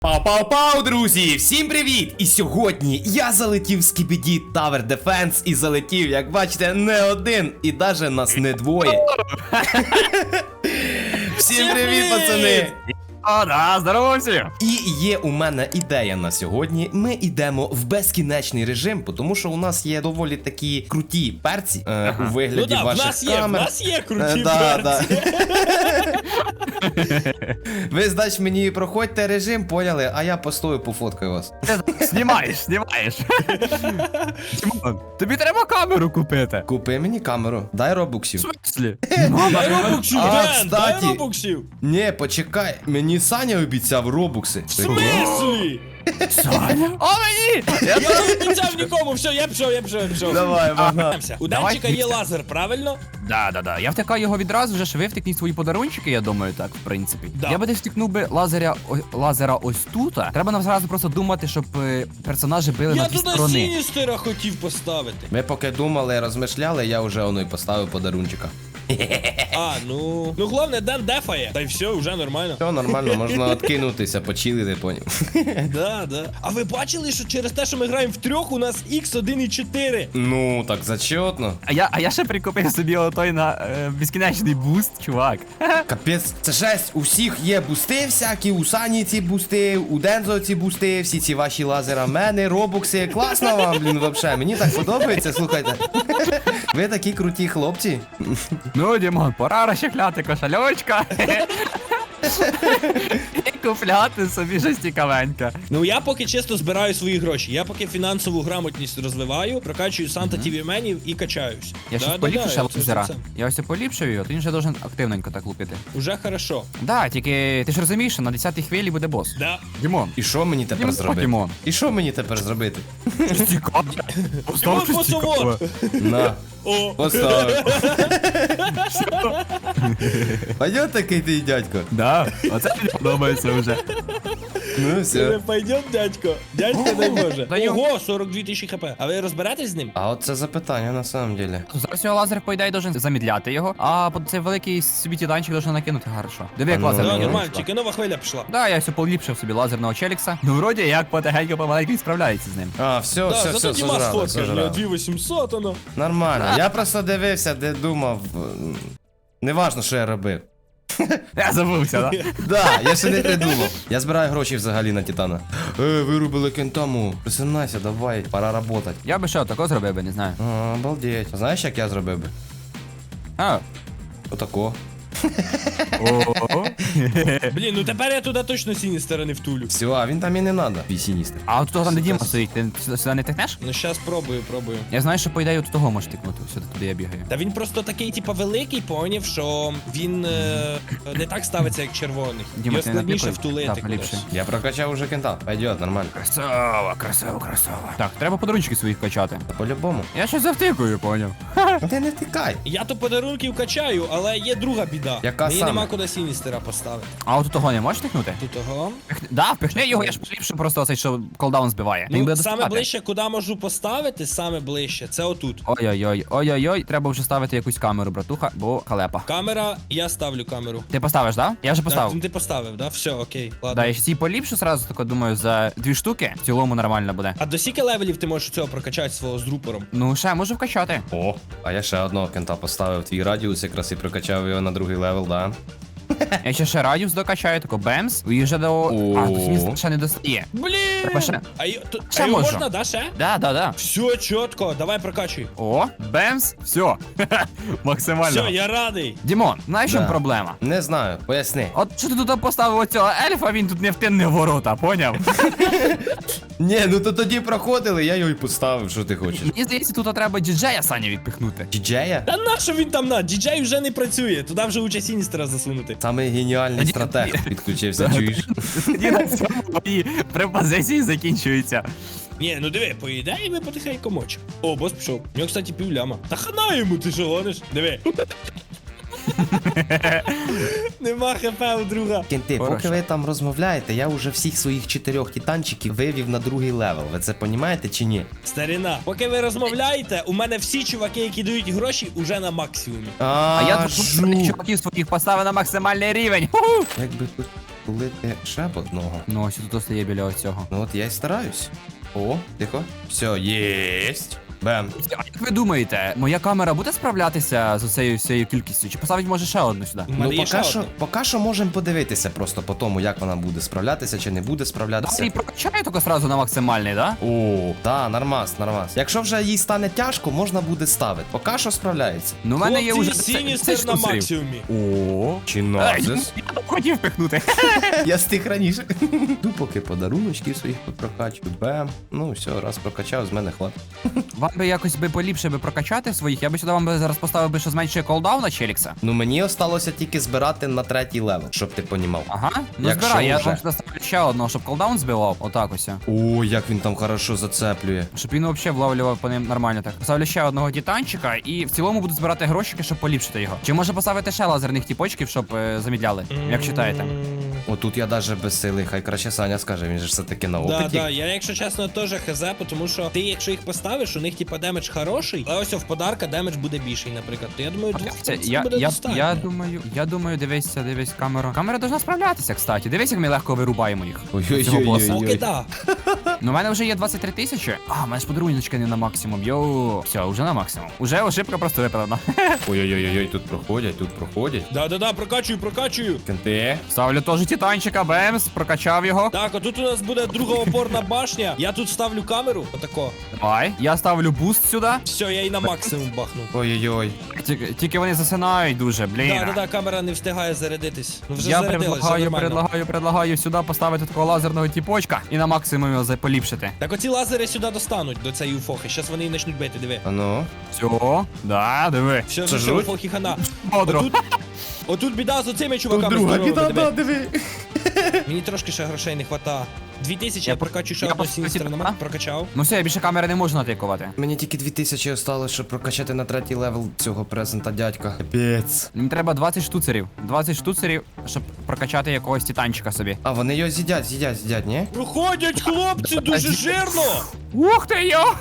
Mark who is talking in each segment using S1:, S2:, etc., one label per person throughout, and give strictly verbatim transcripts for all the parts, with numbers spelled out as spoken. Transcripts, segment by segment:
S1: Пау-пау-пау, друзі! Всім привіт! І сьогодні я залетів в Skibidi Tower Defense і залетів, як бачите, не один, і даже нас не двоє. Всім привіт, пацани!
S2: О, да, здорово всім!
S1: І є у мене ідея на сьогодні. Ми йдемо в безкінечний режим, тому що у нас є доволі такі круті перці е, ага. у вигляді
S3: ну, да,
S1: ваших
S3: в нас є,
S1: камер.
S3: в нас є круті
S1: е, да,
S3: перці.
S1: Да. Ви, значить, мені проходьте режим, поняли, а я постою пофоткаю вас.
S2: Ти знімаєш, знімаєш. Дімон, тобі треба камеру купити.
S1: Купи мені камеру, дай робуксів.
S2: В смислі?
S3: Дай робоксів,
S1: А,
S3: Ден, дай
S1: кстати.
S3: робоксів.
S1: Ні, почекай, мені Саня обіцяв робукси.
S3: В смислі?
S2: Саня? О, мені!
S3: Я не обіцяв нікому, все, я пішов, я пішов, я пішов.
S1: Давай, вага.
S3: У
S2: Давай,
S3: Денчика є
S2: міксер.
S3: лазер, правильно?
S2: Да, да, да. Я втикаю його відразу, вже ж ви втикніть свої подарунчики, я думаю, так, в принципі.
S3: Да.
S2: Я би десь втикнув би лазеря, о- лазера ось тут. Треба нам зразу просто думати, щоб е, персонажі били
S3: Я
S2: на дві
S3: туди
S2: сторони.
S3: Сіністера хотів поставити.
S1: Ми поки думали, розмишляли, я вже воно й поставив подарунчика.
S3: А, ну... Ну, головне, Ден дефає. Та й все, вже нормально.
S1: Все нормально, можна откинутися, почилити, поняв.
S3: Да, да. А ви бачили, що через те, що ми граємо в трьох, у нас ікс один і чотири?
S1: Ну, так зачетно.
S2: А я, а я ще прикупив собі отой на е, безкінечний буст, чувак.
S1: Капець, це жесть, у всіх є бусти всякі, у Сані ці бусти, у Дензо ці бусти, всі ці ваші лазера, мене, робокси. Класно вам, блін, вообще, мені так подобається, слухайте. Ви такі круті хлопці.
S2: Ну, Дімон, пора розчехляти кошельочка. І купляти собі щось цікавеньке.
S3: Ну, я поки чисто збираю свої гроші. Я поки фінансову грамотність розвиваю, прокачую Санта Тіві менів і качаюсь.
S2: Я
S3: Да,
S2: щось
S3: да,
S2: поліпшу
S3: да,
S2: ще
S3: я це-
S2: лазера.
S3: це-
S2: Я ось поліпшую його, то він вже должен активненько так лупити.
S3: Уже хорошо.
S2: Да, тільки ти ж розумієш, що на десятій хвилі буде бос.
S3: Да.
S2: Дімон.
S1: І що мені тепер
S2: Дімон,
S1: зробити?
S2: Дімон.
S1: І що мені тепер зробити?
S2: Щось цікаве. Постав щось
S3: Дімон,
S2: цікаве.
S1: На,
S3: О,
S1: поставив. Пойдет такий ти, дядько?
S2: Да, оце мені подобається вже.
S1: Ну,
S3: це
S1: все.
S3: пойдет, дядько. Дядько дай Боже.
S2: Даю.
S3: Ого, сорок дві тисячі хп. А ви розберетесь з ним?
S1: А от це запитання на самом деле.
S2: Зараз його лазер, по ідеї, должен замідляти його, а под цей великий собі тіданчик должен накинути хорошо. Диви, як
S1: А ну,
S2: лазер
S1: да,
S3: Да,
S2: накинув.
S3: нормально, тільки нова хвиля пішла.
S2: Да, я все поліпшив собі лазерного челікса. Ну, вроді, як потихеньку помаленьку справляється з ним.
S1: А, все,
S3: Да,
S1: все,
S3: зато
S1: все,
S3: Діма
S1: сожрали,
S3: сфоткав,
S1: сожрали.
S3: дві вісімсот, оно.
S1: Нормально. Я просто дивився, де думав. м, Неважно, що я робив.
S2: Я забувся, да?
S1: Да, я ще не придумав. Я збираю гроші взагалі на Титана. Е, вирубили кентаму. Присинайся, давай, пора работать.
S2: Я би що, тако зробив би, не знаю.
S1: А, обалдеть. Знаєш, як я зробив би?
S2: А.
S1: Отако.
S2: О.
S3: Блін, ну тепер я туди точно Сіністера не втулю.
S1: Все, а він там і не надо. Пісіністер.
S2: А от того там де Діма стоїть, ти сюди, сюди не тикнеш?
S3: Ну щас пробую, пробую.
S2: Я знаю, що по ідеї от того можеш тикнути, сюди туди я бігаю.
S3: Та він просто такий, типа, великий, поняв, що він е, не так ставиться, як червоний.
S2: Діма,
S3: Його
S2: ти
S3: складніше
S2: напікуй?
S3: втулити
S2: Так,
S3: кудись.
S2: ліпше.
S1: Я прокачав уже кента. Пойдет, нормально.
S2: Красава, красава, красава. Так, треба подарунчики своїх качати.
S1: По-любому.
S2: Я щось завтикую, поняв.
S1: Ну ти не втикай.
S3: Я то подарунків качаю, але є друга біда.
S1: Яка
S3: Мені
S1: саме?
S3: нема куди Сіністера поставити.
S2: А от того не можеш тикнути?
S3: Тут того.
S2: Пихни- Да, впихни його, я ж поліпшу просто оцей, що колдаун збиває. Він
S3: Ну,
S2: буде
S3: саме
S2: доставати.
S3: ближче, куди можу поставити, саме ближче, це отут.
S2: Ой-ой-ой, ой-ой-ой, треба вже ставити якусь камеру, братуха, бо халепа.
S3: Камера, я ставлю камеру.
S2: Ти поставиш, да? Я вже
S3: Так,
S2: поставив.
S3: ти поставив, да? Все, окей, ладно.
S2: Да, я ще ці поліпшу сразу, тако думаю, за дві штуки в цілому нормально буде.
S3: А до скільки левелів ти можеш цього прокачати свого з рупором?
S2: Ну, ще можу вкачати.
S1: О, а я ще одного кента поставив. Твій радіус якраз і прокачав його на другий левел, да?
S2: Я ще ще радіус докачаю, тако бемс, і вже до... А, тут він ще не достає.
S3: Блін!
S2: Треба ще.
S3: А, й- то-
S2: Ще
S3: а його
S2: можу.
S3: можна, да, ще?
S2: Да, да, да.
S3: Все, чітко, давай прокачуй.
S2: О, бемс, все. Максимально.
S3: Все, я радий.
S2: Дімон, знаєш, в чому
S1: Да.
S2: проблема?
S1: Не знаю, поясни.
S2: От що ти тут поставив оцього ельфа, він тут не втинне в ворота, поняв?
S1: Ні, ну то тоді проходили, я його і поставив, що ти хочеш.
S2: Мені здається, тут треба діджея Саня відпихнути.
S1: Діджея?
S3: Та нащо він там на? Діджей вже не працює, туди вже уча Сіністера засунути.
S1: Самий геніальний
S2: Ні,
S1: стратег
S2: ні.
S1: підключився, чуєш?
S2: Тоді на цьому мої препозиції закінчуються.
S3: Ні, ну диви, по ідеї ми потихеньку мочимо. О, бос пішов. У нього, кстати, півляма. Та хана йому, ти що гониш? Диви. Нема хп у друга.
S1: Кенти, поки
S2: Хорошо.
S1: ви там розмовляєте, я вже всіх своїх чотирьох титанчиків вивів на другий левел. Ви це понімаєте чи ні?
S3: Старина, поки ви розмовляєте, у мене всі чуваки, які дають гроші, уже на максимумі.
S1: А,
S2: А я тут
S1: жу.
S2: чуваків своїх поставив на максимальний рівень. Ху-ху.
S1: Як би тут затулити ще б одного.
S2: Ну, ось тут стає біля оцього.
S1: Ну от я й стараюсь. О, тихо. Все, єсть. Бем.
S2: А як ви думаєте, моя камера буде справлятися з цією всією кількістю? Чи поставить може ще одну сюди?
S3: У мене
S1: Ну
S3: є ще
S1: поки що,
S3: одна.
S1: поки що можемо подивитися просто по тому, як вона буде справлятися чи не буде справлятися.
S2: І прокачаю тільки сразу на максимальний, да?
S1: О, да, нормас, нормас. Якщо вже їй стане тяжко, можна буде ставити. Поки що справляється.
S2: Ну, в мене є
S3: Хлопці,
S2: вже
S3: Сіністер на максимумі.
S1: О, чи
S2: Ей,
S1: назис.
S2: я б хотів пихнути.
S1: Я стих раніше. Йду поки подаруночки своїх попрокачу. Бем. Ну все, раз прокачав, з мене хватить.
S2: Вам би якось би поліпше би прокачати своїх, я би сюди вам би зараз поставив би, що зменшує колдаун на Челікса.
S1: Ну мені осталося тільки збирати на третій левел, щоб ти понімав.
S2: Ага, ну
S1: Якщо
S2: збирай, я
S1: вже.
S2: вам сюди ставлю ще одного, щоб колдаун збивав, отак ось.
S1: О, як він там хорошо зацеплює.
S2: Щоб він взагалі вловлював по ним нормально так. Ставлю ще одного титанчика і в цілому буду збирати грошики, щоб поліпшити його. Чи може поставити ще лазерних тіпочків, щоб е, замідляли, як вважаєте?
S1: Отут я даже без сили, хай краще Саня скаже, він же ж все-таки на
S3: Да,
S1: опиті.
S3: да, я якщо чесно теж хз, тому що ти, якщо їх поставиш, у них типа демедж хороший, а ось в подарка демедж буде більший, наприклад. То я думаю, двох
S2: Це,
S3: це
S2: я,
S3: буде
S2: я,
S3: достатньо.
S2: я думаю, я думаю, дивися, дивись камеру. Камера должна справлятися, кстати. Дивись, як ми легко вирубаємо їх. Цього боса.
S1: Ой-ой-ой.
S3: Поки да.
S2: Ну, у мене вже є двадцять три тисячі. А, у мене ж подаруночка не на максимум. Йоу. Все, вже на максимум. Уже ошибка просто виправдана.
S1: Ой-ой-ой, тут проходять, тут проходять.
S3: Да, да, да, прокачую, прокачую.
S1: Кенти.
S2: Ставлю теж титанчика, бемс, прокачав його.
S3: Так, а тут у нас буде друга опорна башня. Я тут ставлю камеру, отако.
S2: Давай. Я ставлю буст сюди.
S3: Все, я її на максимум бахну.
S1: Ой-ой-ой.
S2: Тільки, тільки вони засинають дуже, блін.
S3: Да, да, да, камера не встигає зарядитись. Ну вже
S2: Я
S3: зарядилась, все
S2: предлагаю,
S3: нормально.
S2: предлагаю, предлагаю сюди поставити такого лазерного тіпочка і на максимум його поліпшити.
S3: Так оці лазери сюди достануть до цієї уфохи. Щас вони її почнуть бити, диви.
S1: А ну.
S2: Все, да, диви.
S3: Все,
S1: Це
S3: вже
S1: жуть?
S3: уфохи хана.
S2: Бодро.
S3: Отут, отут біда з оцими чуваками
S1: Друга
S3: здоровими,
S1: біда,
S3: диви.
S1: да, диви.
S3: Мені трошки ще грошей не хвата. Дві тисячі
S2: Я
S3: я прокачу ще
S2: я
S3: одну
S2: просто
S3: сіністер
S2: хотів-
S3: на прокачав.
S2: Ну все, я більше камери не можу натикувати.
S1: Мені тільки дві тисячі осталось, щоб прокачати на третій левел цього презента дядька. Капець.
S2: Мені треба двадцять штуцерів. двадцять штуцерів, щоб прокачати якогось титанчика собі.
S1: А вони його з'їдять, з'їдять, з'їдять, ні?
S3: Проходять хлопці дуже жирно!
S2: Ух ти йо!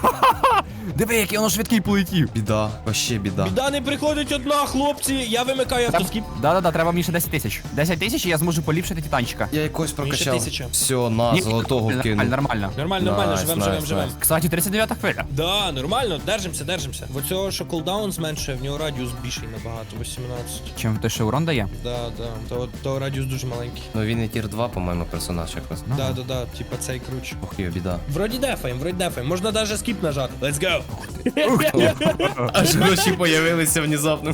S2: Диви, який воно швидкий полетів.
S1: Біда, вообще біда.
S3: Біда не приходить одна, хлопці. Я вимикаю автоскіп.
S2: Да-да-да, треба мені ще десять тисяч. десять тисяч і я зможу поліпшити титанчика.
S1: Я якось
S3: Мені ще
S1: прокачав.
S3: тисяча.
S1: Все, на,
S2: Ні,
S1: золотого
S2: нормально,
S1: вкинув.
S2: нормально.
S3: Нормально, нормально,
S1: Найс,
S3: живем,
S1: найс,
S3: живем, живем.
S1: найс.
S2: Кстати, тридцять дев'ята хвиля.
S3: Да, нормально, держимося, держимося. В оцього, що кулдаун зменшує, в нього радіус більший набагато, вісімнадцять.
S2: Чим той ще урон дає?
S3: Да, да. То, то радіус дуже маленький.
S1: Ну він і тір два, по-моєму, персонаж якраз.
S2: Ну.
S3: Да, да, да, типа цей круче.
S1: Ох, йо, біда.
S3: Вроді дефаєм, вроді дефаєм. Можна даже скіп нажати. Let's go!
S1: Аж гроші появилися внезапно.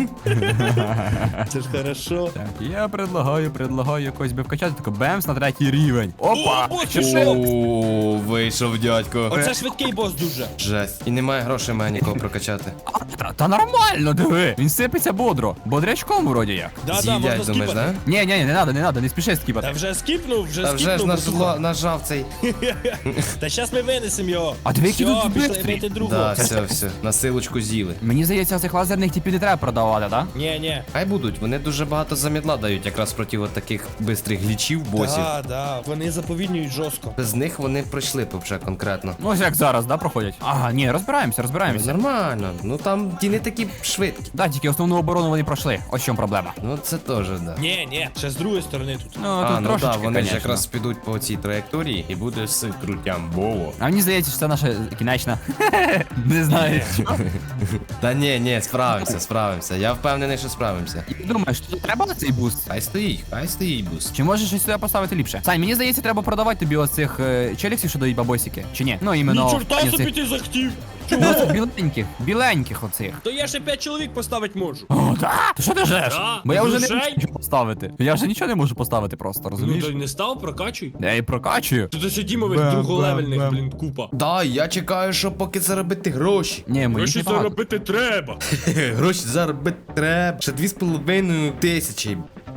S3: Це ж хорошо.
S2: Так, я предлагаю, предлагаю якось би вкачати, тако бемс на третій рівень. Опа!
S3: О,
S2: Чи
S3: боже,
S2: що?
S1: О, вийшов дядько.
S3: Оце швидкий бос дуже.
S1: Жесть. І немає грошей мене нікого прокачати.
S2: А, Та, та нормально, диви. Він сипеться бодро. Бодрячком вроді як.
S3: Да, да,
S1: З'їдять,
S3: можна
S1: думаєш,
S3: скіпати.
S1: да?
S2: Ні, ні, ні, не надо, не надо, не спіши
S3: Та
S2: скіпати.
S3: вже скіпнув, вже
S1: Та вже ж
S3: скіпнув.
S1: нажла,
S3: братуха.
S1: нажав цей.
S3: Та щас ми винесемо його.
S2: А диви, який
S3: Все,
S2: тут
S3: пішли
S2: бистрий.
S3: бити другого.
S1: Да, все, все. На силочку з'їли.
S2: Мені здається, цих лазерних типів не треба продавати, так?
S3: Ні, ні.
S1: Хай будуть, вони дуже багато замідла дають якраз проти от таких бистрих глічів, босів.
S3: Да, да, вони заповільнюють жорстко.
S1: Без них вони пройшли б вже конкретно.
S2: Ну ось як зараз, да, проходять? Ага, ні, розбираємося, розбираємося.
S1: Нормально. Ну там ті не такі швидкі.
S2: Да, тільки основну оборону вони пройшли. Ось в чому проблема.
S1: Ну це теж, да.
S3: Ні, ні, ще з другої сторони тут.
S2: Ну,
S1: А,
S2: тут
S1: ну
S2: трошечки,
S1: так, вони ж
S2: конечно.
S1: якраз підуть по цій траєкторії і буде все крутямбово.
S2: А мені здається, що це наша кінечна. Не знаю.
S1: Та ні, ні, справимося, справимося. Я впевнений, що справимося.
S2: Думаєш, тут треба на цей буст?
S1: Хай стоїть, хай стоїть бус.
S2: Чи можеш щось сюди поставити ліпше? Сань, мені здається, треба продавати тобі оцих е, челіксів, що дають бабосики. Чи ні? Ну, іменно.
S3: Ні, чорта
S2: оцих-
S3: собі ти захотів.
S2: Ну,
S3: Чого?
S2: оцих біленьких, біленьких оцих.
S3: То я ще п'ять чоловік поставити можу.
S2: О, так? Ти що ти жеш?
S3: Да,
S2: Бо я вже не
S3: грошей?
S2: можу нічого поставити. Я вже нічого не можу поставити просто, розумієш?
S3: Ну, не став, прокачуй.
S2: Я і прокачую.
S3: Тут ще Дімових
S2: Бем,
S3: друголевельних,
S2: бем,
S3: блін, купа.
S1: Да, я чекаю, що поки заробити гроші.
S2: Ні, мені
S3: Гроші
S2: не багато.
S3: заробити треба.
S1: Гроші заробити треба. Ще дві з половиною тисячі.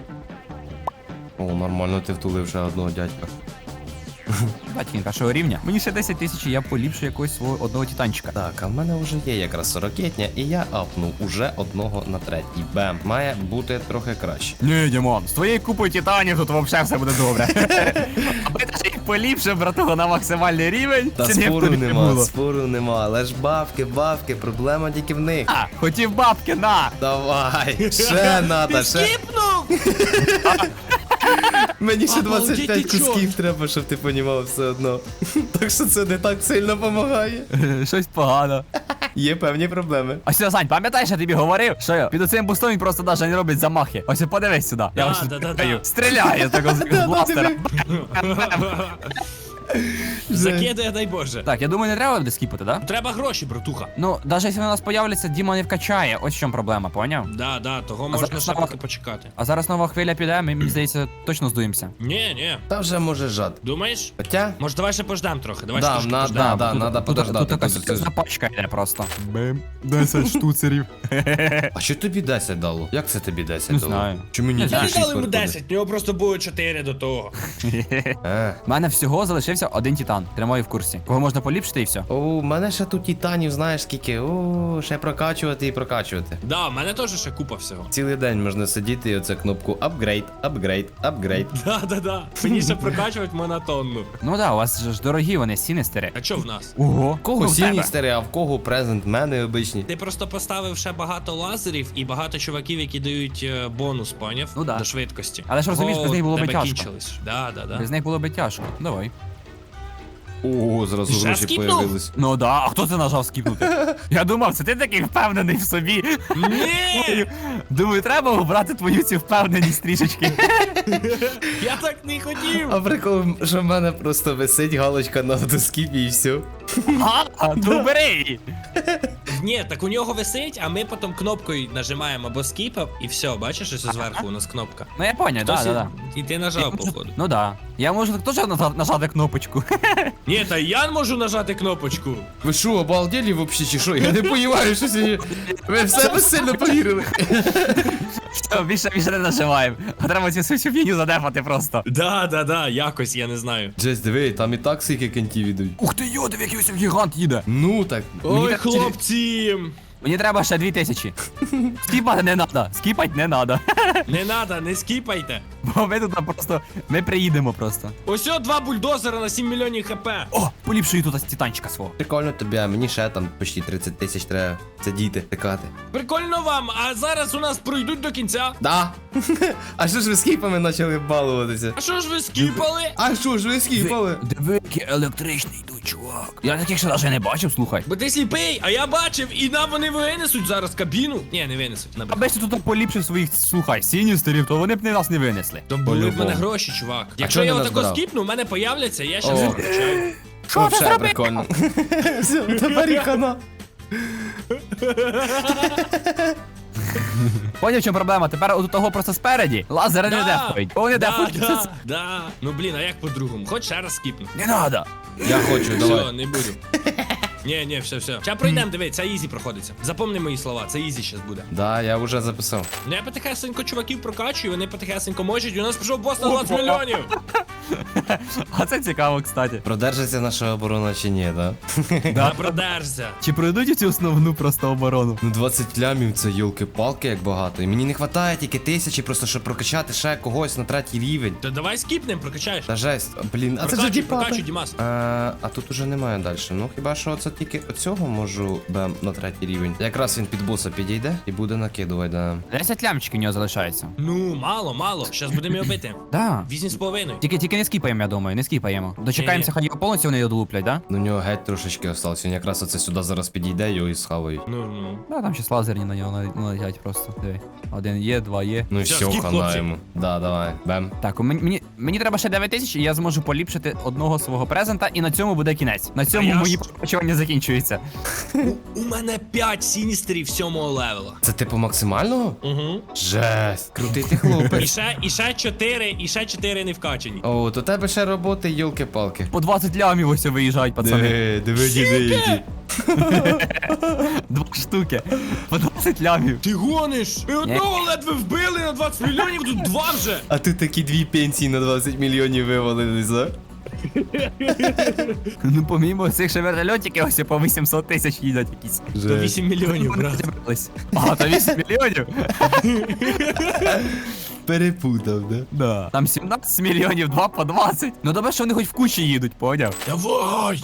S1: О, нормально, ти втулив ще одного дядька.
S2: Батькін першого рівня. Мені ще десять тисяч, і я поліпшу якогось свого одного титанчика.
S1: Так, а в мене вже є якраз сорокетня, і я апнув уже одного на третій. Бем. Має бути трохи краще.
S2: Ні, Дімон, з твоєю купою титанів тут взагалі все буде добре. Аби ти ще їх поліпшив, братуха, на максимальний рівень.
S1: Та
S2: це ніхто
S1: спору
S2: не
S1: нема,
S2: було.
S1: спору нема. Але ж бабки, бабки, проблема тільки в них.
S2: А, хотів бабки, на!
S1: Давай, ще надо, ще.
S3: Скіпнув!
S1: Мені ще
S3: Обалдеть,
S1: двадцять п'ять
S3: ти чо?
S1: кусків треба, щоб ти понімав все одно. Так що це не так сильно допомагає.
S2: Щось погано.
S1: Є певні проблеми.
S2: Ось сюди, Сань, пам'ятаєш, я тобі говорив, що я під цим бустом він просто навіть не робить замахи. Ось подивись сюди. Я
S3: Да,
S2: ось
S3: да, да,
S2: стріляю.
S3: да.
S2: Стріляє з такого з бластера.
S3: Закидає, дай Боже.
S2: Так, я думаю, не треба буде скіпати, да?
S3: Треба гроші, братуха.
S2: Ну, навіть якщо у нас появляться, Діма не вкачає. Ось в чому проблема, поняв?
S3: Да, да, того можна
S2: зараз
S3: ще
S2: нова-
S3: поки почекати.
S2: А зараз нова хвиля піде, ми, мені здається, точно здуємося.
S3: Ні, ні.
S1: Та вже може жад.
S3: Думаєш?
S1: Хоча?
S3: Може, давай ще пождем трохи. Давай
S1: Да,
S3: трошки
S1: на-
S3: пождем.
S1: да, надо
S2: тут,
S1: подождати,
S2: Тут якась
S1: подожди.
S2: запачка йде просто. Бим. десять штуцерів.
S1: А що тобі десять дало? Як це тобі десять
S2: Не
S1: дало?
S2: знаю.
S1: Чому мені
S2: Не
S3: Я
S1: тільки
S3: не
S1: шість
S3: дали йому
S1: виходить?
S3: десять, в нього просто було чотири до того.
S1: Е.
S2: У мене всього залишився один титан. Тримаю в курсі. Кого можна поліпшити і все.
S1: О, у мене ще тут титанів, знаєш скільки. О, ще прокачувати і прокачувати.
S3: Да, в мене теж ще купа всього.
S1: Цілий день можна сидіти і оце кнопку апгрейд, апгрейд, апгрейд.
S3: Да, да, да. Мені ще прокачувати монотонну.
S2: Ну да, у вас ж дорогі вони, сінестери.
S3: А що в нас?
S2: Ого.
S1: В кого
S2: Ну, в тебе.
S1: сіністери, а в кого презент мене обичні.
S3: Ти просто поставив ще багато лазерів і багато чуваків, які дають е, бонус, поняв?
S2: Ну да.
S3: До швидкості.
S2: Але ж розумієш,
S3: О,
S2: без них було би
S3: тебе
S2: тяжко.
S3: кінчились. Да, да, да.
S2: Без них було би тяжко. Давай.
S1: О, зразу
S3: Ще
S1: гроші
S3: скіпнув?
S1: появились.
S2: Ну да, а хто це нажав скіпнути? Я думав, це ти такий впевнений в собі.
S3: Ні!
S2: Думаю, треба обрати твою цю впевненість трішечки.
S3: Я так не хотів!
S1: А прикол, що в мене просто висить галочка на автоскіпі і все.
S2: А, ну бери її.
S3: Ні, так у нього висить, а ми потім кнопкою нажимаємо або скіпав, і все, бачиш, ось зверху у нас кнопка.
S2: Ну я поняв, да,
S3: Хтось
S2: да,
S3: і-
S2: да.
S3: І ти нажав, походу.
S2: Ну да. Я можу теж нажа- нажати кнопочку.
S3: Ні, та я можу нажати кнопочку.
S1: Ви що, обалдели вообще чи що? Я не розумію, що сьогодні. Ви в себе сильно повірили.
S2: Все, більше більше не нажимаємо. А треба цю всю фігню задефати просто.
S3: Да, да, да, якось, я не знаю.
S1: Джес, диви, там і так скільки кентів ідуть.
S2: Ух ти йо, диви, який ось гігант їде.
S1: Ну так.
S3: Ой,
S2: так-
S3: хлопці!
S2: Мені треба ще дві тисячі. Скіпати не надо, скіпати не надо.
S3: Не надо, не скіпайте.
S2: Бо ми тут просто, ми приїдемо просто.
S3: Ось о, два бульдозера на сім мільйонів хп.
S2: О, поліпшую тут ось титанчика свого.
S1: Прикольно тобі, а мені ще там почти тридцять тисяч треба сидіти, тикати.
S3: Прикольно вам, а зараз у нас пройдуть до кінця.
S1: Да. А що ж ви скіпами почали балуватися?
S3: А що ж ви скіпали?
S1: А що ж ви скіпали?
S2: Диви, який електричний йдуть, чувак. Я таких ще навіть не бачив, слухай.
S3: Бо ти сліпий, а я бачив, і нам вони винесуть зараз кабіну. Ні, не винесуть. набрехав.
S2: Аби ще тут поліпшив своїх, слухай, сіністерів, то вони б не нас не винесли.
S3: То були в мене
S1: По-любому.
S3: гроші, чувак. Якщо
S1: чого
S3: я
S1: не
S3: отако
S1: назбирав?
S3: скіпну, в мене появляться, я
S1: О.
S3: щас виключаю.
S2: Що ти зробив?
S1: прикольно. Все, тепер і хана.
S2: Поняв, в чому проблема? Тепер от того просто спереді лазери не дефають. Бо вони
S3: да,
S2: дефають.
S3: да, да. Ну блін, а як по-другому? Хоч ще раз скіпну.
S2: Не надо.
S1: Я хочу,
S3: Все,
S1: давай.
S3: не буду. Ні, ні, все, все. Зараз пройдемо, диви, це ізі проходиться. Запомни мої слова, це ізі щас буде.
S1: Да, я вже записав.
S3: Ну я потихесенько чуваків прокачую, вони потихесенько можуть, і у нас пішов бос на двадцять
S2: Опа.
S3: мільйонів.
S2: А це цікаво, кстати.
S1: Продержиться наша оборона чи ні, да?
S3: Да, продержся.
S2: Чи пройдуть цю основну просто оборону?
S1: Ну двадцять лямів це йолки-палки як багато. І мені не вистачає тільки тисячі, просто щоб прокачати ще когось на третій рівень.
S3: То давай скіпнем, прокачаєш.
S1: Та жесть, блін, а це ж
S3: Прокачуй,
S1: діпати.
S3: прокачуй, Дімас.
S1: А, а тут уже немає далі. Ну хіба що це тільки оцього можу бем на третій рівень. Якраз він під боса підійде і буде накидувати, да.
S2: десять лямчиків у нього залишається.
S3: Ну, мало, мало. Щас будемо його бити.
S2: Да.
S3: Вісім з половиною.
S2: Тільки, тільки не скіпаємо, я думаю, не скіпаємо. Дочекаємося,
S3: Ні-ні.
S2: хай його повністю вони його долуплять, да?
S1: Ну, у нього геть трошечки осталось. Він якраз оце сюди зараз підійде, його і схавають.
S3: Ну, ну.
S2: Да, там щас лазерні на нього нал- налетять просто. Диви. Один є, два є.
S1: Ну і
S3: Все,
S1: все,
S3: скіп,
S1: хана
S3: хлопці.
S1: йому. Да, давай, бем.
S2: Так, у мені, мені, мені треба ще дев'ять тисяч, і я зможу поліпшити одного свого презента, і на цьому буде кінець. На цьому
S3: я
S2: мої
S3: ж-
S2: почування закінчуються.
S3: У мене п'ять сіністерів сьомого левела.
S1: Це типу максимального?
S3: Угу.
S1: Жесть. Крутий ти
S3: І
S1: хлопець.
S3: ще, і ще чотири, і ще чотири не вкачані.
S1: О, то тебе ще роботи, йолки-палки.
S2: По двадцять лямів ось виїжджають, пацани.
S1: Диви, диви, диви, які.
S2: Два штуки. По двадцять лямів.
S3: Ти гониш? Ми одного ледве вбили на двадцять мільйонів, тут два вже.
S1: А ти такі дві пенсії на двадцять мільйонів вивалились, а?
S2: Ну, помімо цих ще вертольотиків, ось по вісімсот тисяч їдуть якісь.
S3: То вісім мільйонів, брат.
S2: Зібрались. А, то вісім мільйонів?
S1: Перепутав, да?
S2: Да. Там сімнадцять мільйонів, два по двадцять. Ну добре, що вони хоч в кучі їдуть, поняв?
S3: Давай!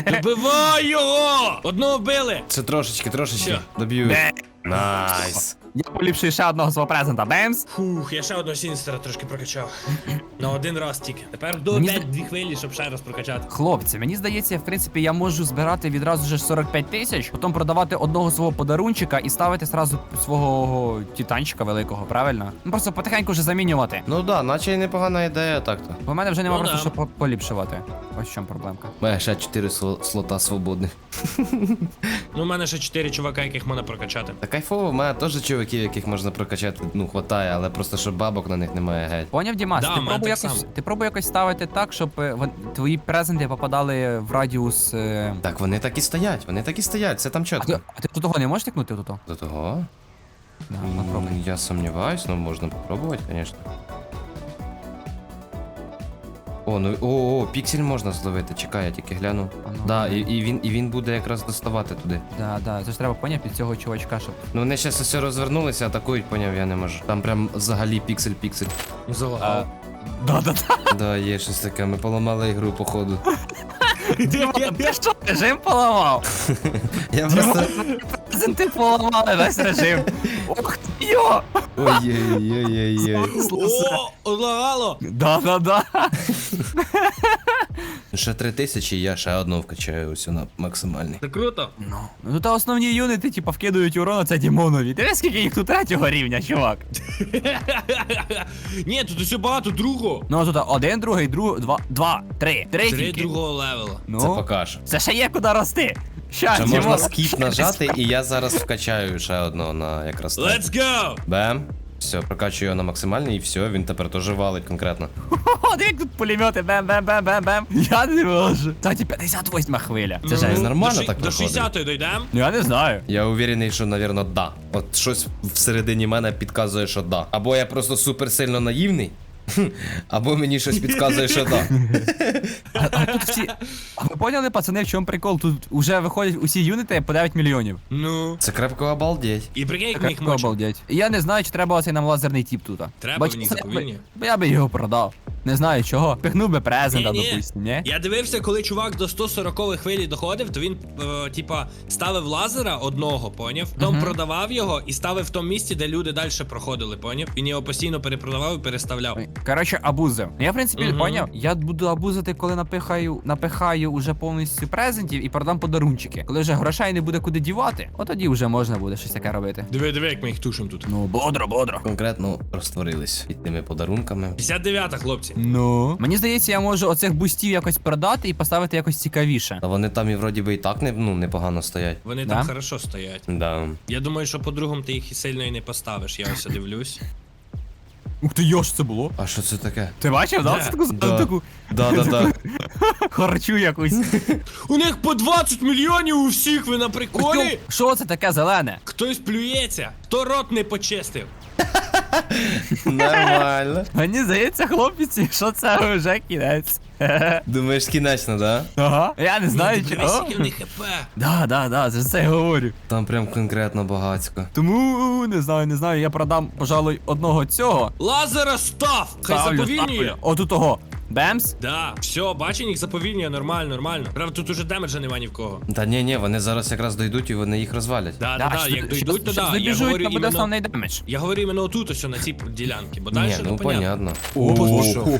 S3: Добивай його! Одного вбили!
S1: Це трошечки, трошечки.
S3: Що?
S1: Доб'ю.
S2: Бе.
S1: Найс.
S2: Я поліпшую ще одного свого презента. Бемс.
S3: Фух, я ще одного Сіністера трошки прокачав. На один раз тільки. Тепер до
S2: Мені
S3: п'ять
S2: зда-
S3: дві хвилі, щоб ще раз прокачати.
S2: Хлопці, мені здається, в принципі, я можу збирати відразу ж сорок п'ять тисяч, потім продавати одного свого подарунчика і ставити зразу свого титанчика великого, правильно? Ну просто потихеньку вже замінювати.
S1: Ну да, наче й непогана ідея так-то.
S2: Бо в мене вже нема
S3: Ну
S2: просто
S3: да.
S2: що по- поліпшувати. Ось в чому проблемка.
S1: У мене ще чотири сло- слота свободних.
S3: Ну, у мене ще чотири чувака, яких можна прокачати.
S1: Та кайфово, в мене теж чуваків, яких можна прокачати, ну, хватає, але просто що бабок на них немає геть.
S2: Поняв, Дімас,
S3: Да,
S2: ти
S3: в мене
S2: пробуй
S3: так
S2: якось,
S3: само.
S2: ти пробуй якось ставити так, щоб е, вон- твої презенти попадали в радіус. Е...
S1: Так, вони так і стоять, вони так і стоять, це там
S2: А, ти,
S1: чітко.
S2: а ти до того не можеш тикнути тут?
S1: До того?
S2: Да,
S1: М,
S2: попробуй.
S1: Я сомневаюсь, но можно попробовать, конечно. О, ну о, о, піксель можна зловити, чекай, я тільки гляну.
S2: А ну,
S1: Да,
S2: ну.
S1: і, і він і він буде якраз доставати туди.
S2: Да, да, це ж треба поняв під цього чувачка, щоб.
S1: Ну вони зараз все розвернулися, атакують, поняв, я не можу. Там прям взагалі піксель-піксель.
S3: Залагав.
S2: Да, да, да.
S1: Да, є щось таке, ми поламали ігру, походу.
S2: Ти що, режим поламав?
S1: Я просто.
S2: Презенти поламали весь режим. Ох ти йо!
S1: Ой-ой-ой-ой-ой.
S3: О, лагало!
S2: Да, да, да.
S1: Ще три тисячі, я ще одну вкачаю ось на максимальний.
S3: Це круто.
S2: Ну, ну та основні юнити, типа, вкидують урон, це Дімонові. Ти скільки їх тут третього рівня, чувак?
S3: Ні, тут усе багато другого.
S2: Ну, тут один, другий, друг, два, два, три. Три
S3: Три
S2: тільки.
S3: другого левела.
S1: Це
S2: Ну,
S1: покаже.
S2: це ще є куди рости. Ща,
S1: Ще
S2: Дімон.
S1: можна скіп нажати, і я зараз вкачаю ще одного на якраз так.
S3: Let's go!
S1: Бем. Все, прокачую його на максимальний, і все, він тепер теж валить конкретно.
S2: О, як тут пулемети, бем-бем-бем-бем-бем. Я не можу. Кстати, п'ятдесят восьма хвиля. Це
S3: Ну,
S2: жесть.
S1: нормально
S3: до ши-
S1: так
S3: До
S1: виходить?
S3: шістдесятої дійдемо?
S2: Ну, я не знаю.
S1: Я уверений, що, навірно, да. От щось всередині мене підказує, що да. Або я просто супер сильно наївний, або мені щось підказує, що да.
S2: А, а тут всі... А ви поняли, пацани, в чому прикол? Тут вже виходять усі юніти по дев'ять мільйонів.
S3: Ну.
S1: Це крепко обалдеть.
S3: І прикинь, як ми їх
S2: Крепко
S3: мочимо.
S2: обалдеть. І я не знаю, чи треба оцей нам лазерний тіп тут.
S3: Треба
S2: Бо
S3: мені
S2: чесно,
S3: заповільні.
S2: я би- Бо я би його продав. Не знаю чого. Пихнув би презента,
S3: Ні-ні.
S2: допустим, ні?
S3: Я дивився, коли чувак до сто сорокової хвилі доходив, то він, е, типа, ставив лазера одного, поняв? Потім продавав його і ставив в тому місці, де люди далі проходили, поняв? Він його постійно перепродавав і переставляв.
S2: Коротше, абузив. Я, в принципі,
S3: Мгм.
S2: поняв. Я буду абузити, коли напихаю, напихаю уже повністю презентів і продам подарунчики. Коли вже грошей не буде куди дівати, от тоді вже можна буде щось таке робити.
S3: Диви, диви, як ми їх тушимо тут.
S2: Ну, бодро, бодро.
S1: Конкретно розтворились під тими подарунками.
S3: п'ятдесят дев'ята, хлопці.
S2: Ну. Мені здається, я можу оцих бустів якось продати і поставити якось цікавіше.
S1: Та вони там і вроді би і так не, ну, непогано стоять.
S3: Вони
S2: Да?
S3: там хорошо стоять.
S1: Да.
S3: Я думаю, що по-другому ти їх і сильно і не поставиш. Я ось дивлюсь.
S2: Ух ти, йо, що це було?
S1: А що це таке?
S2: Ти бачив, да?
S3: Де?
S2: Це таку,
S1: Да.
S2: таку
S1: Да, да, да.
S2: харчу якусь.
S3: У них по двадцять мільйонів у всіх, ви на приколі?
S2: Що це таке зелене?
S3: Хтось плюється, хто рот не почистив.
S1: Нормально.
S2: Мені здається, хлопці, що це вже кінець.
S1: Думаєш, кінечно, да?
S2: Ага. Я не знаю,
S3: Ну,
S2: чи.
S3: дивись,
S2: О.
S3: які в них хп.
S2: Да, да, да, за це я говорю.
S1: Там прям конкретно багацько.
S2: Тому не знаю, не знаю. Я продам, пожалуй, одного цього.
S3: Лазера став! Хай
S2: Ставлю,
S3: заповільнює.
S2: ставлю. Отут того. Бемс.
S3: Да, все, бачу, їх заповільнює, нормально, нормально. Правда, тут уже демеджа нема ні в кого.
S1: Та ні, ні, вони зараз якраз дойдуть і вони їх розвалять.
S3: Да, да, да,
S2: щас-
S3: як дойдуть, то
S2: щас
S3: да. Я
S2: добіжуть,
S3: говорю
S2: то буде
S3: іменно,
S2: основний демедж.
S3: я говорю іменно отут, ось на цій ділянці, бо далі
S1: Ні,
S3: не
S1: ну
S3: понятно.
S1: понятно.
S3: О, що?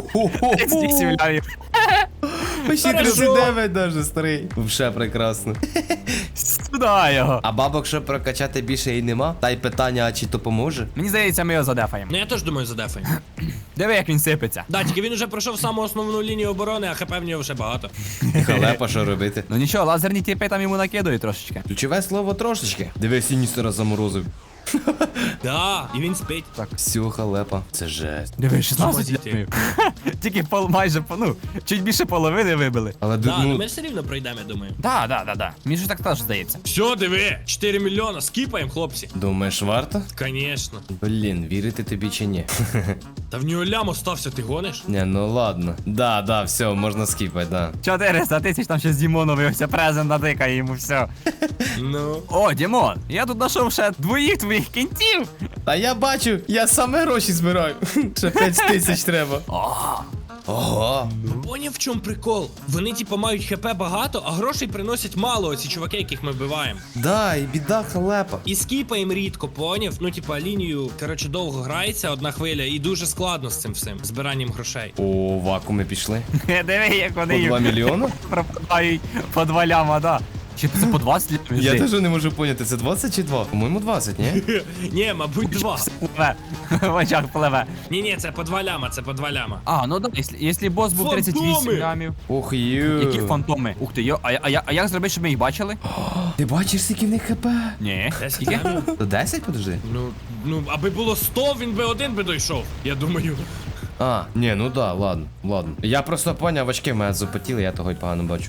S1: Почти
S3: Хорошо.
S1: тридцять дев'ять даже, старий. Вже прекрасно.
S2: Сюди його.
S1: А бабок, щоб прокачати більше і нема? Та й питання, а чи то поможе?
S2: Мені здається, ми його задефаємо.
S3: Ну я теж думаю, задефаємо.
S2: Диви, як він сипеться.
S3: Да, тільки він уже пройшов саму основну лінію оборони, а хп в нього вже багато.
S1: Халепа, що робити?
S2: Ну нічого, лазерні тіпи там йому накидують трошечки.
S1: Ключове слово трошечки. Диви, Сіністера заморозив.
S3: Да, і він спить.
S1: Все, халепа. Це жесть.
S2: Диви, шістнадцять
S3: Змазіть.
S2: лямів. Тільки пол, майже, по- ну, чуть більше половини вибили.
S1: Але
S3: Да, ну
S1: ну,
S3: ми все рівно пройдемо, я думаю.
S2: Да, да, да, да. Мені ж так теж здається.
S3: Все, диви, чотири мільйона, скіпаємо, хлопці.
S1: думаєш, варто?
S3: Конечно.
S1: Блін, вірити тобі чи ні?
S3: Та в нього лям остався, ти гониш?
S1: Ні, ну ладно. Да, да, все, можна скіпати, да.
S2: чотириста тисяч там ще з Дімоновий ось презент натикає йому все.
S3: Ну.
S2: О, Дімон, я тут знайшов ще двоїх твоїх кінтів.
S1: Та я бачу, я саме гроші збираю. Ще п'ять тисяч треба.
S2: О,
S1: Ого.
S3: Поняв, в чому прикол? Вони, типу, мають хп багато, а грошей приносять мало, оці чуваки, яких ми вбиваємо.
S1: Да, і біда халепа.
S3: І скіпаємо рідко, поняв? Ну, типа, лінію, коротше, довго грається одна хвиля, і дуже складно з цим всім, збиранням грошей.
S1: О, вакууми пішли.
S2: Диви, як
S1: По
S2: вони
S1: два
S2: їх
S1: мільйони?
S2: пропадають по два ляма, да. Чи це по двадцять лямів?
S1: Я теж не можу поняти, це двадцять чи два? По-моєму, двадцять, ні?
S3: Ні, мабуть, два.
S2: Пливе. В очах пливе.
S3: Ні, ні, це по два ляма, це по два ляма.
S2: А, ну да, якщо, якщо бос був тридцять вісім
S3: Фантоми!
S2: лямів.
S1: Ох, ю.
S2: Які фантоми? Ух ти, йо, а, я- а, я- а як зробити, щоб ми їх бачили?
S1: Ти бачиш, скільки в них хп?
S2: Ні.
S3: Десять
S2: Скільки?
S3: лямів?
S1: То десять, подожди?
S3: Ну, ну, аби було сто, він би один би дійшов, я думаю.
S1: А, ні, ну да, ладно, ладно. Я просто поняв, очки в мене запотіли, я того й погано бачу.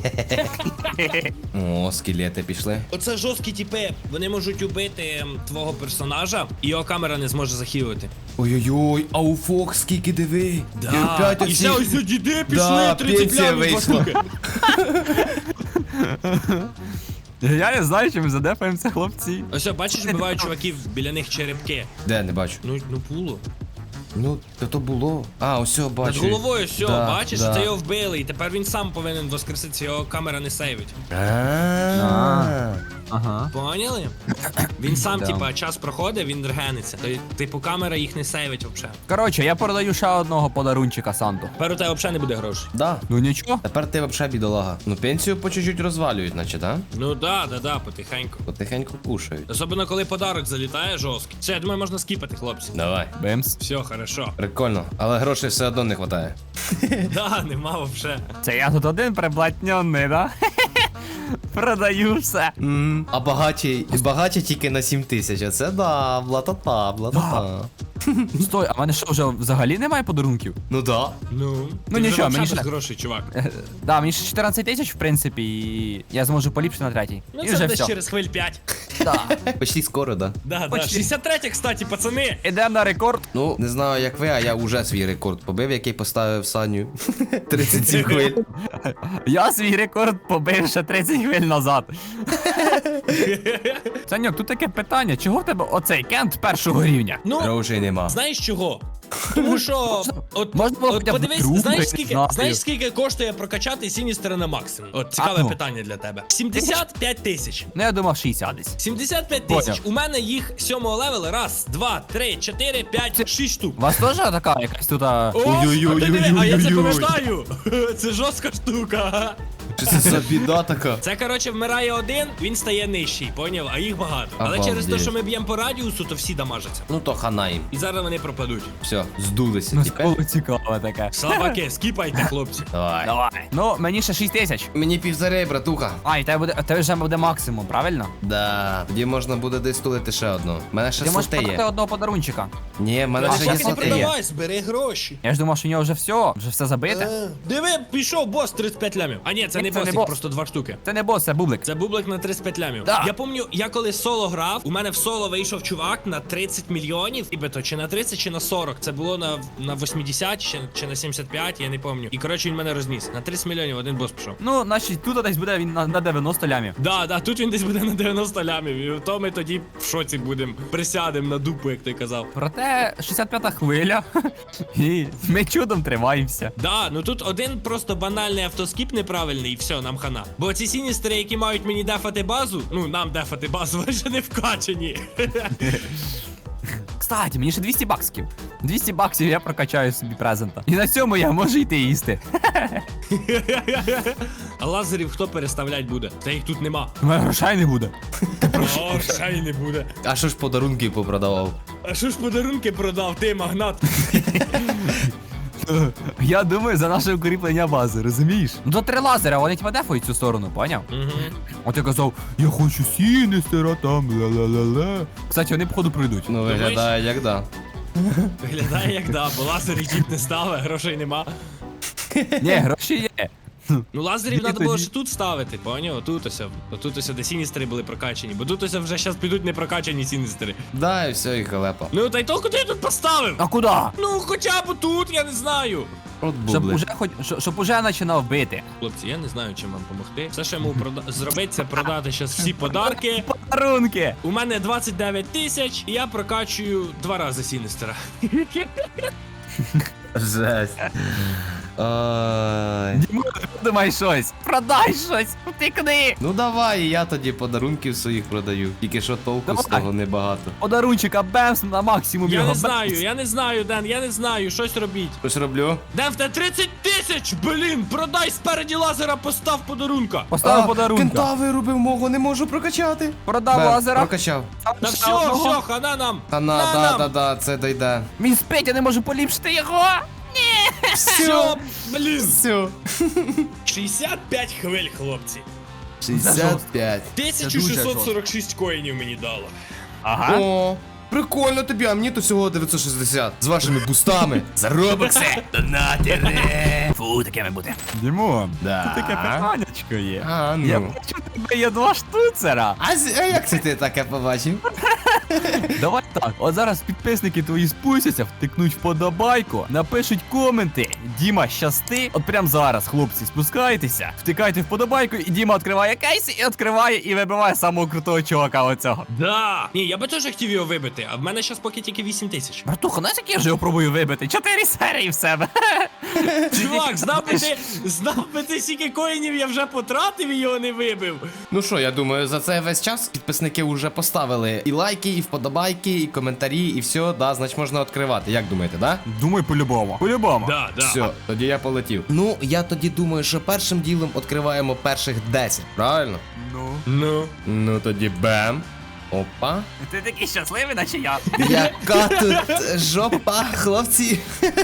S1: О, скелети пішли.
S3: Оце жорсткі тіпи, вони можуть убити ем, твого персонажа, і його камера не зможе захилити.
S1: Ой-ой-ой, а у Фокс скільки диви. І
S3: Да.
S1: опять
S3: І ще
S1: оці...
S3: ось діди пішли,
S1: Да,
S3: тридцять
S1: пенсія
S3: лямів, два
S1: вийшла.
S3: штуки.
S2: Я не знаю, чи ми задефаємося, хлопці.
S3: Ось, о, бачиш, бувають чуваків, біля них черепки.
S1: Де, не бачу.
S3: Ну, ну було.
S1: Ну, то то було. А, ось
S3: Над
S1: бачу.
S3: головою все,
S1: Да,
S3: бачиш,
S1: да.
S3: це його вбили, і тепер він сам повинен воскреситися, його камера не сейвить.
S1: А.
S2: Ага.
S3: Поняли? Він сам,
S2: Да.
S3: типа, час проходить, він регениться. То, типу, камера їх не сейвить взагалі.
S2: Коротше, я продаю ще одного подарунчика Санту.
S3: Тепер у тебе взагалі не буде грошей.
S1: Да.
S2: Ну нічого.
S1: Тепер ти взагалі бідолага. Ну, пенсію по чуть-чуть розвалюють, наче, да?
S3: Ну да, да, да, потихеньку.
S1: Потихеньку кушають.
S3: Особливо, коли подарок залітає жорсткий. Все, я думаю, можна скіпати, хлопці.
S1: Давай.
S2: Бимс.
S3: Все, хорошо.
S1: Прикольно, але грошей все одно не вистачає.
S3: Да, нема вообще.
S2: Це я тут один приблатньонний, да? Продаю все.
S1: М, А багаті, багаті тільки на сім тисяч, а це да, блатата, блатата.
S2: Стой, а в мене що, вже взагалі немає подарунків?
S1: Ну да.
S3: Ну,
S2: Ну,
S3: ти вже
S2: нічого,
S3: вообще
S2: мені
S3: без
S2: ще-
S3: грошей, чувак.
S2: Да, мені ще чотирнадцять тисяч, в принципі, і я зможу поліпшити на третій.
S3: Ну
S2: І
S3: це
S2: вже
S3: десь
S2: все.
S3: через хвиль п'ять.
S2: Да.
S1: Почти скоро, да.
S3: Да, да.
S2: Почти.
S3: шістдесят третє, кстати, пацани.
S2: Ідемо на рекорд.
S1: Ну, не знаю, як ви, а я вже свій рекорд побив, який поставив Саню. тридцять сім хвиль.
S2: Я свій рекорд побив ще тридцять хвиль назад. Саньок, тут таке питання, чого в тебе оцей кент першого рівня?
S3: Ну,
S1: Грошей нема.
S3: знаєш чого? Тому що, от,
S2: можна було
S3: от
S2: хоча б
S3: подивись,
S2: другу,
S3: знаєш
S2: я
S3: скільки,
S2: не знаю.
S3: знаєш скільки коштує прокачати Сіністера на максимум? От цікаве
S2: А, ну.
S3: питання для тебе. сімдесят п'ять тисяч.
S2: Ну я думав шістдесят десь.
S3: сімдесят п'ять тисяч.
S2: Поняв.
S3: У мене їх сьомого левела. Раз, два, три, чотири, п'ять, шість штук.
S2: У вас теж така якась тут... а,
S3: О, а ти диви, а я це
S1: Ой-ой-ой-ой-ой.
S3: пам'ятаю. Це жорстка штука.
S1: Що це за біда така?
S3: Це, коротше, вмирає один, він стає нижчий, поняв? А їх багато. Але
S1: Обалдеть.
S3: через те, що ми б'ємо по радіусу, то всі дамажаться.
S1: Ну то хана їм.
S3: І зараз вони пропадуть.
S1: Все, здулися.
S2: Ну,
S1: Тепер.
S2: було цікаве таке.
S3: Слабаки, скіпайте, хлопці.
S1: Давай.
S2: Давай. Ну, мені ще шість тисяч.
S1: Мені півзарей, братуха.
S2: А, і тебе буде, тебе вже буде максимум, правильно?
S1: Да, тоді можна буде десь тулити ще одну. У мене ще
S2: Ти можеш
S1: слоти
S2: продати
S1: є.
S2: одного подарунчика.
S1: Ні, в мене
S3: А
S1: ще є
S3: поки не
S1: слоти є.
S3: продавай, збери гроші.
S2: Я ж думав, що у нього вже все, вже все забите.
S3: Е, Диви, пішов бос тридцять п'ять лямів. А ні, це
S2: Ні,
S3: не
S2: це
S3: бос,
S2: не
S3: їх
S2: бос.
S3: просто два штуки.
S2: Це не бос, це бублик.
S3: Це бублик на тридцять п'ять лямів.
S2: Да.
S3: Я пам'ятаю, я коли соло грав, у мене в соло вийшов чувак на тридцять мільйонів, і то чи на тридцять, чи на сорок. Це було на, на вісімдесят, чи, чи на сімдесят п'ять, я не пам'ятаю. І коротше він мене розніс. На тридцять мільйонів один бос пішов.
S2: Ну, значить, тут десь буде він на, на дев'яносто лямів.
S3: Да, да, тут він десь буде на дев'яносто лямів, і то ми тоді в шоці будемо. Присядемо на дупу, як ти казав.
S2: Проте шістдесят п'ята хвиля. І ми чудом тримаємося.
S3: Да, ну тут один просто банальний автоскіп неправильний, і все, нам хана. Бо ці сіністери, які мають мені дефати базу, ну нам дефати базу, вони ще не вкачані.
S2: Кстати, мені ще двісті баксів. двісті баксів я прокачаю собі презента. І на цьому я можу йти їсти.
S3: А лазерів хто переставлять буде? Та їх тут нема.
S2: У мене грошей не буде.
S3: О, ще не буде.
S1: А що ж подарунки попродавав?
S3: А що ж подарунки продав, ти магнат?
S2: Я думаю, за наше укріплення бази, розумієш? Ну то три лазера, вони типа дефають цю сторону, поняв?
S3: Угу.
S2: От я казав, я хочу Сіністера там, ла-ла-ла-ла. Кстати, вони походу прийдуть.
S1: Ну
S3: Думаєш?
S1: виглядає як да.
S3: Виглядає як да, бо лазерів тіп не ставить, грошей нема.
S2: Ні, гроші є.
S3: Ну лазерів
S2: Ні,
S3: треба було
S2: тоді.
S3: ще тут ставити, поняв? Отут ось, отут ось, де сіністери були прокачані, бо тут ось вже зараз підуть не прокачані сіністери.
S1: Да, і все, і халепа.
S3: Ну та й то куди я тут поставив?
S2: А куди?
S3: Ну хоча б тут, я не знаю.
S1: От
S2: Щоб
S1: бублик.
S2: уже, хоч, щоб, щоб уже починав бити.
S3: Хлопці, я не знаю, чим вам допомогти. Все, що я можу прода- зробити, це продати зараз всі подарки.
S2: Подарунки!
S3: У мене двадцять дев'ять тисяч, і я прокачую два рази Сіністера.
S1: Жесть. Ай.
S2: Дімон, думай щось, продай щось, втикни.
S1: Ну давай, я тоді подарунків своїх продаю. Тільки що толку з
S2: Давай.
S1: того небагато.
S2: Подарунчика бемс на максимум
S3: Я
S2: його.
S3: не
S2: бемс.
S3: знаю, я не знаю, Ден, я не знаю, щось робіть.
S1: Щось роблю?
S3: Ден, в тебе тридцять тисяч, блін, продай спереді лазера, постав подарунка.
S2: Поставив подарунка.
S1: Кента вирубив мого, не можу прокачати.
S2: Продав
S1: Бем,
S2: лазера.
S1: Прокачав.
S3: Та
S2: Ще
S3: все,
S2: одного.
S3: все, хана нам.
S1: Та на,
S3: На
S1: да,
S3: нам.
S1: да, да, це дойде.
S2: Мій спить, я не можу поліпшити його.
S3: Все, блін.
S1: Все.
S3: шістдесят п'ять хвиль, хлопці.
S1: шістдесят п'ять.
S3: тисяча шістсот сорок шість коїнів мені дало.
S2: Ага.
S1: О, прикольно тобі, а мені то всього дев'ятсот шістдесят. З вашими бустами. За робокси. Донатери.
S2: Фу, такими бути. Дімон,
S1: Да.
S2: тут таке питаннячко є.
S1: А,
S2: Я
S1: ну.
S2: бачу, у тебе є два штуцера.
S1: А, з- а як це ти таке побачив?
S2: Давай так, от зараз підписники твої спустяться, втикнуть вподобайку, напишуть коменти. Діма, щасти. От прям зараз, хлопці, спускайтеся, втикайте вподобайку, і Діма відкриває кейс, і відкриває, і вибиває самого крутого чувака оцього.
S3: Да. Ні, я би теж хотів його вибити, а в мене зараз поки тільки вісім тисяч.
S2: Братуха, знаєш, як я вже його пробую вибити? Чотири серії в себе.
S3: Чувак, знав би ти, знав би ти, скільки коїнів я вже потратив і його не вибив.
S1: Ну що, я думаю, за цей весь час підписники вже поставили і лайки, і вподобайки, і коментарі, і все, да, значить можна відкривати. Як думаєте, да?
S2: Думаю, по-любому. По-любому.
S3: Да, да.
S1: Все, тоді я полетів. Ну, я тоді думаю, що першим ділом відкриваємо перших десять, правильно?
S2: Ну.
S3: Ну.
S1: Ну тоді бем. Опа.
S2: Ти такий щасливий, наче я.
S1: Яка тут жопа, хлопці.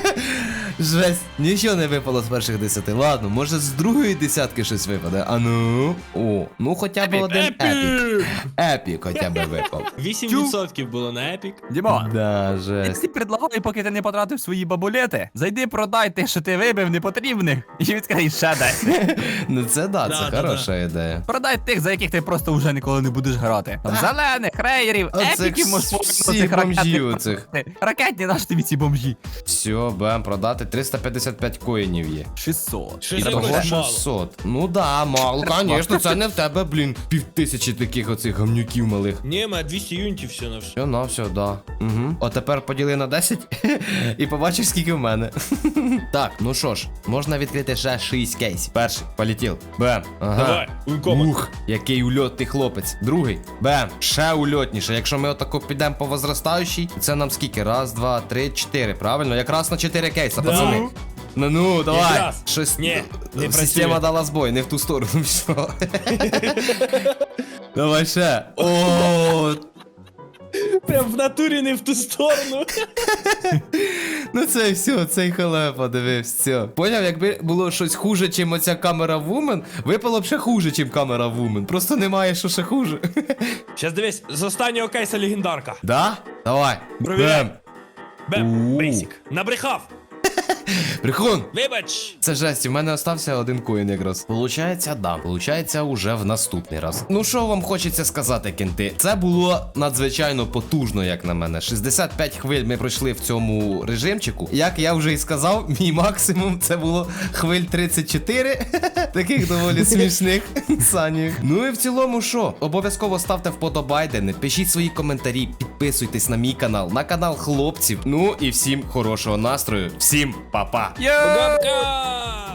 S1: Жесть, нічого не випало з перших десяти. Ладно, може з другої десятки щось випаде. А ну. О, ну хоча б один епік.
S3: Епік!
S1: Епік хоча б випав.
S3: вісім відсотків було на епік.
S2: Дімон.
S1: Да,
S2: Я
S1: жесть.
S2: тобі предлагаю, поки ти не потратив свої бабулети, зайди продай те, що ти вибив непотрібних, і відкрий ще десь.
S1: Ну це да,
S3: Да,
S1: це
S3: да,
S1: хороша ідея.
S2: Продай тих, за яких ти просто вже ніколи не будеш грати. Там зелених, рейерів,
S1: Оцих
S2: епіків можеш
S1: всіх
S2: повинути
S1: бомжів оцих.
S2: Ракетні наш тобі ці бомжі.
S1: Все, бем, продати триста п'ятдесят п'ять коїнів є.
S2: шістсот.
S3: Щось
S2: І
S3: якось
S2: того
S3: мало.
S1: шістсот. Ну да, мало, звісно, це не в тебе, блін, півтисячі таких оцих гамнюків малих.
S3: Ні, мене двісті юнітів все на все.
S1: Все, на все, да. Угу. О, тепер поділи на десять і побачиш, скільки в мене. Так, ну що ж, можна відкрити ще шість кейсів. Перший, полетів. Бем. Ага.
S3: Давай, уйкома.
S1: Ух, який ульотний хлопець. Другий. Бем. Ще ульотніше. Якщо ми отако підемо по возростаючій, це нам скільки? Раз, два, три, чотири. Правильно? Якраз на чотири кейса,
S3: Да.
S1: пацани. Ну ну, давай.
S3: Якраз.
S1: Щось.
S3: Ні, не працює.
S1: Система дала збой, не в ту сторону пішло. Давай ще. О,
S3: Прям в натурі не в ту сторону.
S1: ну це все, цей халепа, дивись, все. Поняв, якби було щось хуже, чим оця камера вумен, випало б ще хуже, чим камера вумен. Просто немає, що ще хуже.
S3: Щас дивись, з останнього кейса легендарка.
S1: Да? Давай.
S3: Провіряй.
S1: Бем.
S3: Бем,
S1: У.
S3: бейсік. Набрехав.
S1: Прихон.
S3: Вибач.
S1: Це жесть, у мене остався один коін якраз. Получається, да. Получається, уже в наступний раз. Ну що вам хочеться сказати, кенти? Це було надзвичайно потужно, як на мене. шістдесят п'ять хвиль ми пройшли в цьому режимчику. Як я вже і сказав, мій максимум це було хвиль тридцять чотири. Таких доволі смішних санів. Ну і в цілому, що? Обов'язково ставте вподобайдени, пишіть свої коментарі, підписуйтесь на мій канал, на канал хлопців. Ну і всім хорошого настрою. Всім па-па!
S2: Йоу!
S3: Гавка!